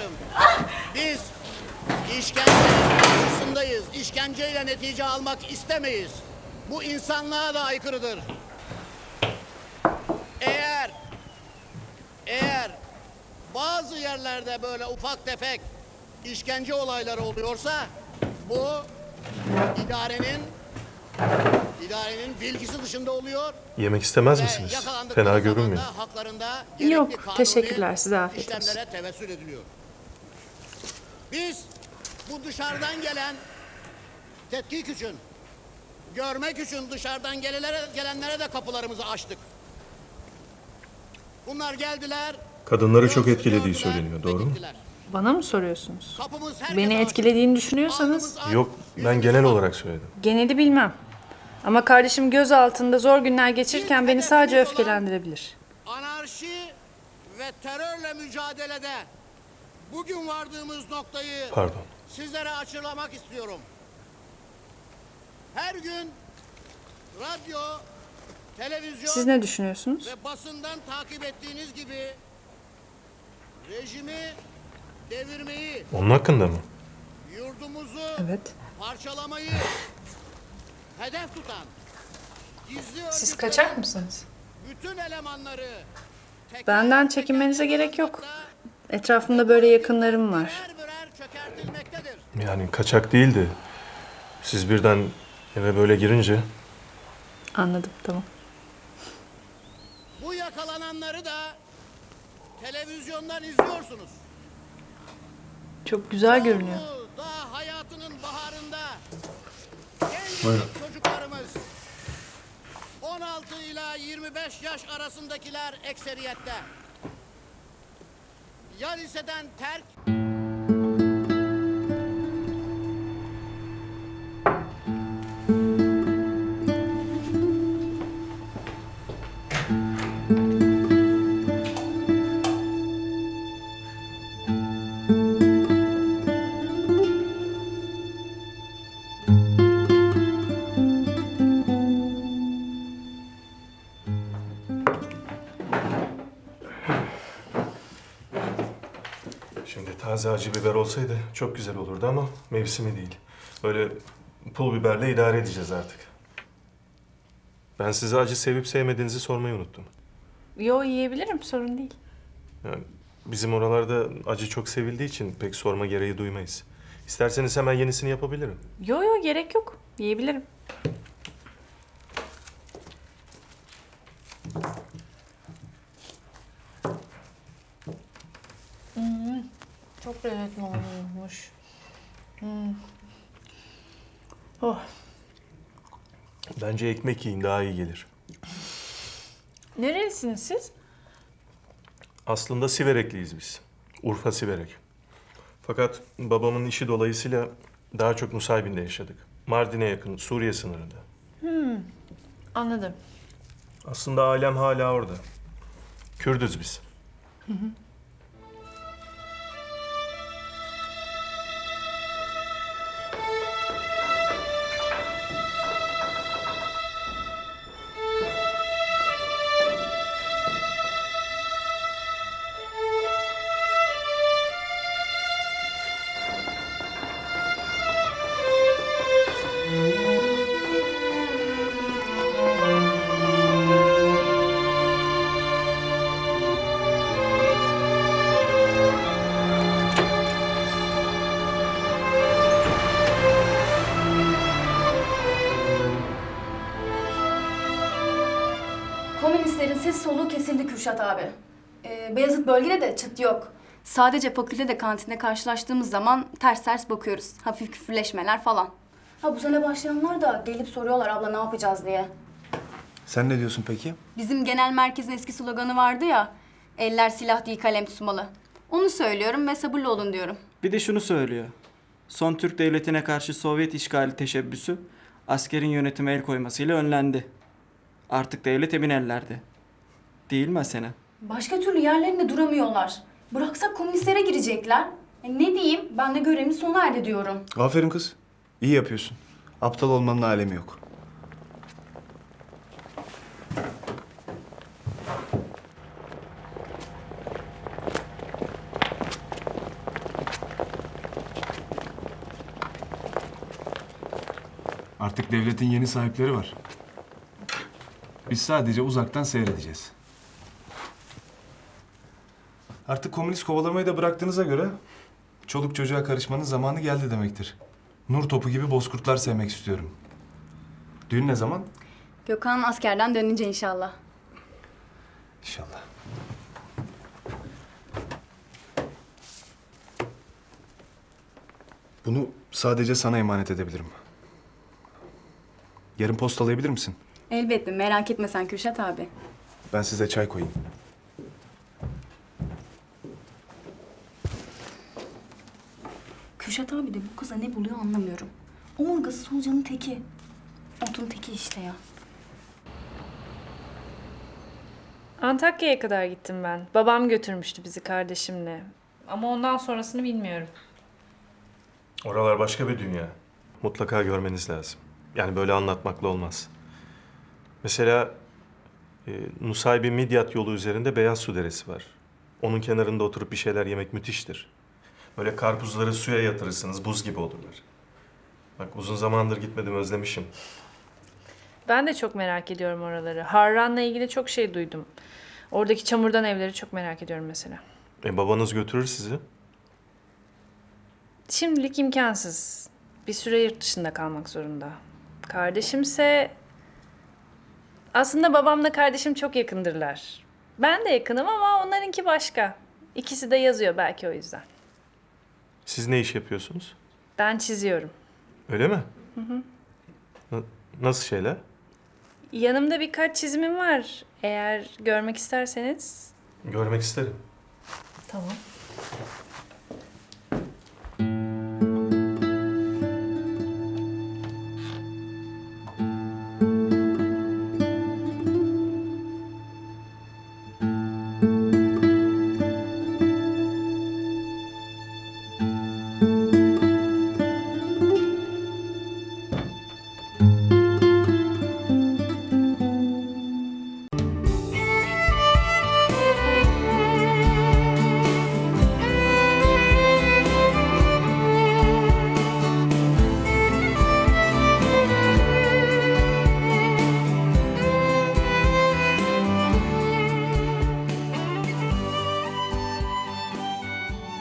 arkadaşım. Biz işkencenin karşısındayız. İşkenceyle netice almak istemeyiz. Bu insanlığa da aykırıdır. Eğer bazı yerlerde böyle ufak tefek işkence olayları oluyorsa bu idarenin bilgisi dışında oluyor. Yemek istemez misiniz? Fena görünmüyor. Haklarında Yok, gerekli kanuni teşekkürler. Size afiyet olsun. işlemlere tevessül ediliyor. Biz bu dışarıdan gelen tetkik için, görmek için dışarıdan gelenlere de kapılarımızı açtık. Bunlar geldiler. Kadınları çok gördüler etkilediği ve söyleniyor, doğru mu? gittiler. Bana mı soruyorsunuz? Kapımız herkese Beni açık. etkilediğini düşünüyorsanız Alnımız Yok, ak, ben yüzümüz genel ak. olarak söyledim. geneli bilmem. Ama kardeşim göz altında zor günler geçirirken beni sadece öfkelendirebilir. Anarşi ve terörle mücadelede bugün vardığımız noktayı Pardon. sizlere açıklamak istiyorum. Her gün radyo, televizyon Siz ne düşünüyorsunuz? ve basından takip ettiğiniz gibi rejimi devirmeyi, Onun hakkında mı? yurdumuzu Evet. parçalamayı hedef tutan gizli Siz örgütlerin kaçar mısınız? bütün elemanları teker Benden teker çekinmenize gerek yok. yakalanmakta, Etrafımda böyle yakınlarım var. birer birer çökertilmektedir. Yani kaçak değildi. Siz birden eve böyle girince... Anladım, tamam. Bu yakalananları da televizyondan izliyorsunuz. Çok güzel görünüyor. Bu daha hayatının baharında gencecik çocuklarımız 16 ila 25 yaş arasındakiler ekseriyette. Ya liseden terk Şimdi taze acı biber olsaydı çok güzel olurdu ama mevsimi değil. Böyle pul biberle idare edeceğiz artık. Ben size acı sevip sevmediğinizi sormayı unuttum. Yo, yiyebilirim, sorun değil. Yani bizim oralarda acı çok sevildiği için pek sorma gereği duymayız. İsterseniz hemen yenisini yapabilirim. Yo, gerek yok. Yiyebilirim. Çok lezzetli olmuş. Oh. Bence ekmek yiyin, daha iyi gelir. Nerelisiniz siz? Aslında Siverekliyiz biz. Urfa Siverek. Fakat babamın işi dolayısıyla daha çok Nusaybin'de yaşadık. Mardin'e yakın, Suriye sınırında. Anladım. Aslında ailem hala orada. Kürdüz biz. Komünistlerin ses soluğu kesildi Kürşat abi. Beyazıt bölgede de çıt yok. Sadece fakültede kantinde karşılaştığımız zaman ters ters bakıyoruz. Hafif küfürleşmeler falan. Ha bu sene başlayanlar da gelip soruyorlar abla ne yapacağız diye. Sen ne diyorsun peki? Bizim genel merkezin eski sloganı vardı ya. Eller silah değil kalem tutmalı. Onu söylüyorum ve sabırlı olun diyorum. Bir de şunu söylüyor. Son Türk devletine karşı Sovyet işgali teşebbüsü askerin yönetime el koymasıyla önlendi. Artık devlet emin ellerde. Değil mi Asena? Başka türlü yerlerinde duramıyorlar. Bıraksak komünistlere girecekler. Ne diyeyim? Ben de görevimi sona erdi diyorum. Aferin kız. İyi yapıyorsun. Aptal olmanın alemi yok. Artık devletin yeni sahipleri var. Biz sadece uzaktan seyredeceğiz. Artık komünist kovalamayı da bıraktığınıza göre çoluk çocuğa karışmanın zamanı geldi demektir. Nur topu gibi bozkurtlar sevmek istiyorum. Düğün ne zaman? Gökhan askerden dönünce inşallah. İnşallah. Bunu sadece sana emanet edebilirim. Yarın postalayabilir misin? Elbette merak etme sen Kürşat abi. Ben size çay koyayım. Kürşat abi de bu kıza ne buluyor anlamıyorum. Omurgası solucanın teki. Otun teki işte ya. Antakya'ya kadar gittim ben. Babam götürmüştü bizi kardeşimle. Ama ondan sonrasını bilmiyorum. Oralar başka bir dünya. Mutlaka görmeniz lazım. Yani böyle anlatmakla olmaz. Mesela Nusaybin Midyat yolu üzerinde Beyaz Su Deresi var. Onun kenarında oturup bir şeyler yemek müthiştir. Böyle karpuzları suya yatırırsınız, buz gibi olurlar. Bak uzun zamandır gitmedim, özlemişim. Ben de çok merak ediyorum oraları. Harran'la ilgili çok şey duydum. Oradaki çamurdan evleri çok merak ediyorum mesela. Babanız götürür sizi. Şimdilik imkansız. Bir süre yurt dışında kalmak zorunda. Kardeşimse... Aslında babamla kardeşim çok yakındırlar. Ben de yakınım ama onlarınki başka. İkisi de yazıyor belki o yüzden. Siz ne iş yapıyorsunuz? Ben çiziyorum. Öyle mi? Nasıl şeyler? Yanımda birkaç çizimim var. Eğer görmek isterseniz. Görmek isterim. Tamam.